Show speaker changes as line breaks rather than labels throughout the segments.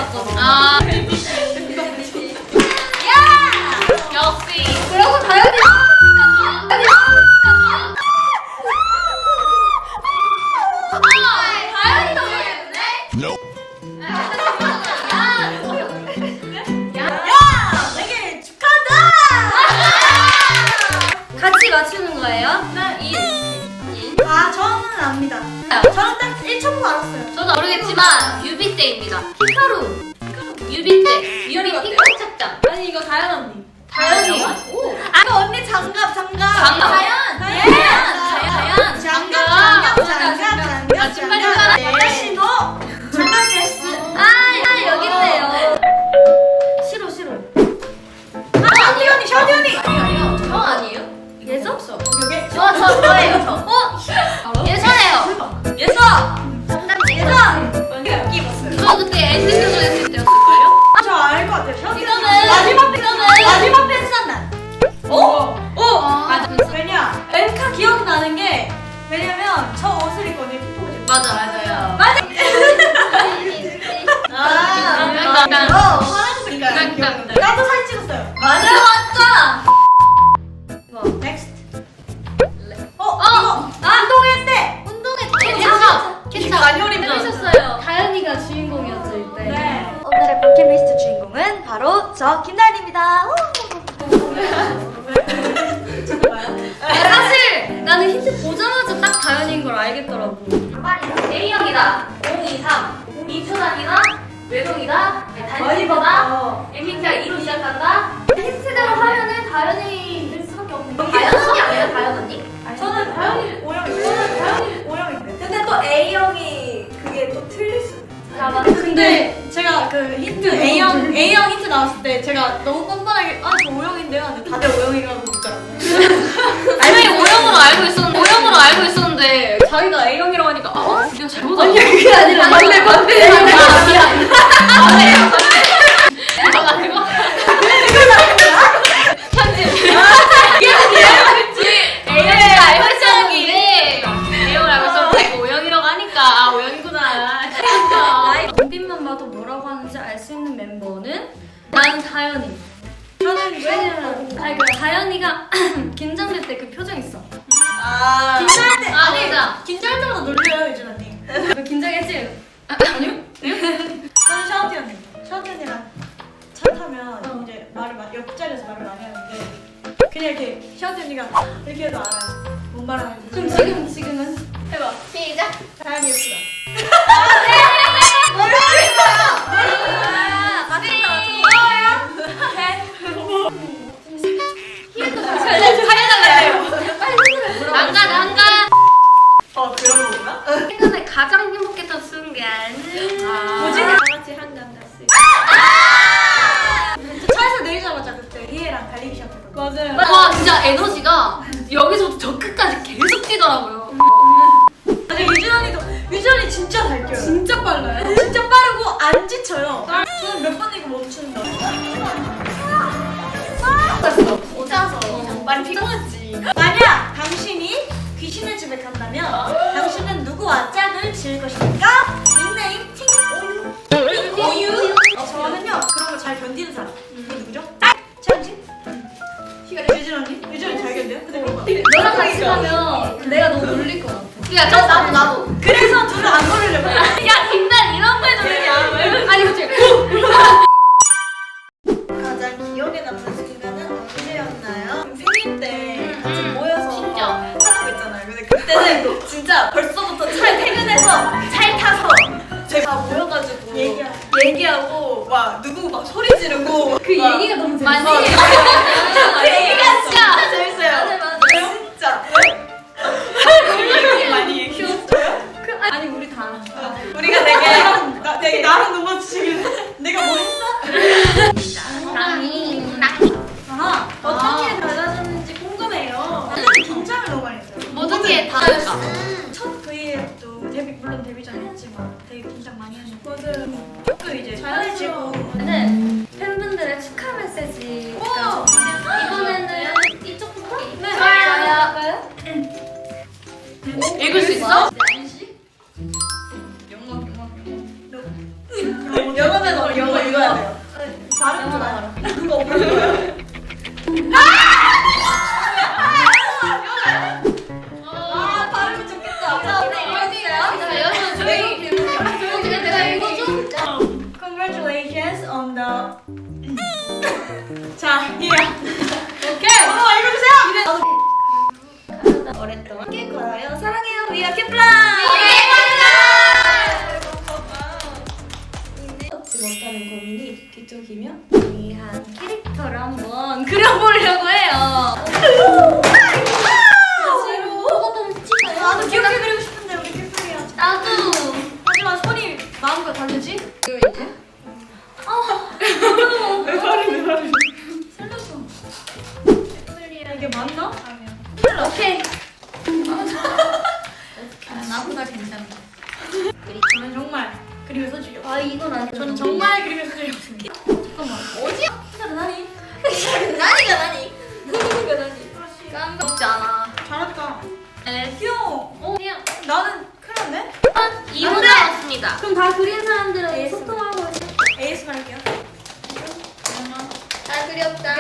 나왔잖아.
아. 야! 역시.
그러고 다현이.
다현이도 모르겠네?
되게 축하한다. 같이 맞추는 거예요? 아 저는 압니다. 저는 딱 1초만 알았어요.
저도 모르겠지만 뮤비 때입니다. 히카루. 뮤비 때. 뮤비 핑크 착장.
아니 이거 다현 언니.
다현이.
오. 아까 언니 장갑.
장갑.
다현.
아, 신발이잖아.
여자씨도 장갑 됐어.
아, 여기 있네요.
싫어. 샤디 언니.
아니요. 저 아니에요?
예서? 여기.
저예요, 저. 예서예요. 예서.
여기 입었어요.
저 그때 엔딩 교정 했을 때였을걸요?
저 알 것 같아요. 샤디
이거는-
마지막 팬싸 날.
맞아.
왜냐? 엠카 기억나는 게 왜냐면 저 옷을 입고 언니 틱톡을 찍었어요.
맞아요.
파란색
깡깡.
나도 사진 찍었어요.
맞아.
넥스트.
어.
이거 운동회 때.
운동회 괜찮아.
간혈이
재밌었어요.
다현이가 주인공이었죠 이때.
네.
오늘의 버킷리스트 주인공은 바로 저 김다현입니다.
사실
나는 힌트 보자마자 딱 다현인 걸 알겠더라고.
A형이다. 023. 2초단이다. 외동이다. 단식이다. MBTI 2로 시작한다. 힌트대로 하면은 다현이일 수밖에 없는 거. 다현 언니 아니에요? 다현 언니?
저는 다현이 O형인데.
근데 또 A형이 그게 또 틀릴 수.
자, 맞아.
근데 제가 그 힌트 A형 힌트 나왔을 때 제가 너무 뻔뻔하게 저 O형인데요. 근데 다들 O형이라고 묻더라고요.
분명히 O형으로 알고 있었는데 자기가 A형이라고 하니까 내가 잘못 알고.
그게 아니라
맞네.
맞네.
미안. 이거 아니고. 편집. A형을 알고 있었는데 A형을 알고 있었는데 자기가 O형이라고 하니까 O형이구나.
눈빛만 봐도 뭐라고 하는지 알 수 있는 멤버는 나는 다현이.
저는
왜냐면 그 다현이가 긴장될 때 그 표정 있어.
긴장할 때
아니다.
긴장할 때마다 놀려요 유진 언니.
너 긴장했지?
아니요? 저는 샤오티 언니. 샤오티 언니랑 차 타면 이제 옆자리에서 말을 많이 하는데 그냥 이렇게 샤오티 언니가 이렇게 해도 알아요. 뭔 말하는지.
그럼 지금은?
해봐. 시작.
다현이 예쁘다.
한가.
그런 거구나?
최근에 가장 행복했던 순간.
뭐지?
다 같이 한강 갔을
저 차에서 내리자마자 그때 희애랑 달리기 시작했거든요. 맞아요.
와 진짜 에너지가 여기서부터 저 끝까지 계속 뛰더라고요.
아니 유진 언니 진짜 잘 뛰어요. 진짜 빨라요. 진짜 빠르고 안 지쳐요. 저는 몇 번 이거 멈춘다.
혼자서
많이 피곤했지. 만약 당신이 귀신의 집에 간다면 당신은 누구와 짝을 지을 것입니까? 닉네임 오유. 저는요 그런 거 잘 견디는 사람. 그게 누구죠? 최현진? 유진 언니? 유진 언니 잘 견뎌요? 근데 그런 거.
너랑 같이 가면 내가 너무 놀릴 것 같아.
야, 저 나도.
그래서 둘을 안 걸으려고.
야, 김단 이런 거에 놀리냐? 아니 그치.
가장 기억에 남는 순간은 언제였나요? 생일 때 같이 모여서
진짜.
하는 거 있잖아요. 근데 그때는 진짜 벌써부터 차에 퇴근해서 차에 타서 제가 모여가지고 얘기하고 막 누구 막 소리 지르고
그 얘기가 너무 재밌어.
많이.
그 얘기가 진짜
진짜.
재밌어요.
맞아.
진짜. 많이 얘기했어요?
아니 우리 다.
우리가 되게 나랑 눈 맞추시길래 내가 뭐 했어? 어떻게 달라졌는지 궁금해요. 근데 긴장을 너무 많이 했어요.
어떻게 다를까?
첫 V앱도 물론 데뷔 전이었지만 되게 긴장 많이 했는데 조금 이제 편해지고
저는 팬분들의 축하 메시지가 이번에는
이쪽부터?
네.
저요. 읽을 수 있어?
영어는
이게 맞나?
오케이.
나보다 괜찮아. 저는 정말 그림에서 주요.
아 이건 아니야.
저는 정말 그림에서 주였습니다. 잠깐만.
어디야?
나니?
나니가 나니. 나니가 나니. 깜짝지 않아.
잘했다.
네.
귀여워.
그냥
나는 큰일 났네?
2분 남았습니다.
그럼 다 그린 사람들은
ASMR.
소통하고 있어.
ASMR 할게요.
잘 그렸다.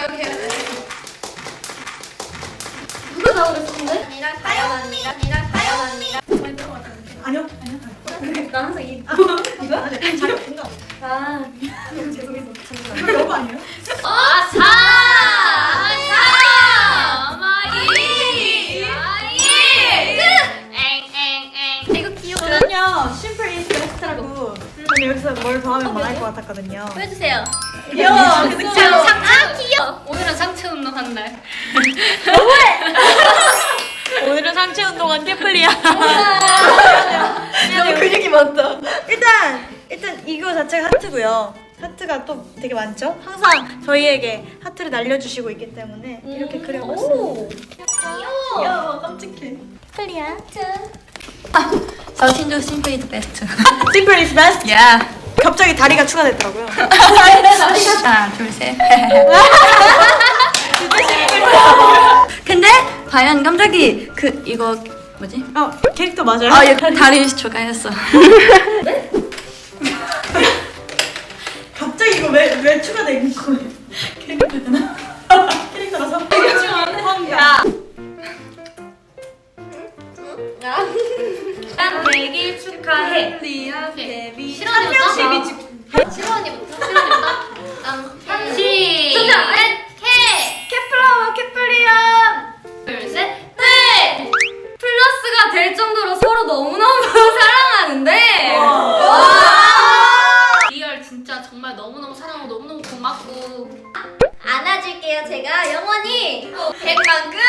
누가 다 그랬었는데?
아니랑 다연 언니랑 다연 언니랑.
아니요.
나 항상 이
이거? 아니, 잘 된다.
아,
죄송해서. 이거 너무 아니에요?
아사. 마이. 엥엥엥. 이거 귀여워.
저는요, 심플 이즈 베스트라고. 저는 여기서 뭘 더하면 망할 것 같았거든요.
보여주세요.
귀여워. 근데 귀여워.
귀여워. 오늘은 상체 운동한 날.
오늘은 상체 운동한 캐플리야.
너무 근육이 많다.
일단 이거 자체가 하트고요. 하트가 또 되게 많죠? 항상 저희에게 하트를 날려주시고 있기 때문에 이렇게 그려봤어요.
귀여워.
귀여워, 깜찍해.
플리야.
저 신조 심플 이즈 베스트.
심플 이즈 베스트.
야.
갑자기 다리가 추가됐더라고요.
하나, 둘, 셋. 근데 과연 깜짝이 이거 뭐지?
캐릭터 맞아요?
아, 이거 다리 추가했어.
갑자기 이거 왜 추가된 거예요? 캐릭터잖아. 캐릭터라서.
난 100일 축하해.
리아
베비.
한 명씩
시로 언니부터. 시작.
케플라와 케플리안.
둘, 셋, 넷.
플러스가 될 정도로 서로 너무너무 사랑하는데.
리얼 진짜 정말 너무너무 사랑하고 너무너무 고맙고
안아줄게요 제가 영원히
100만큼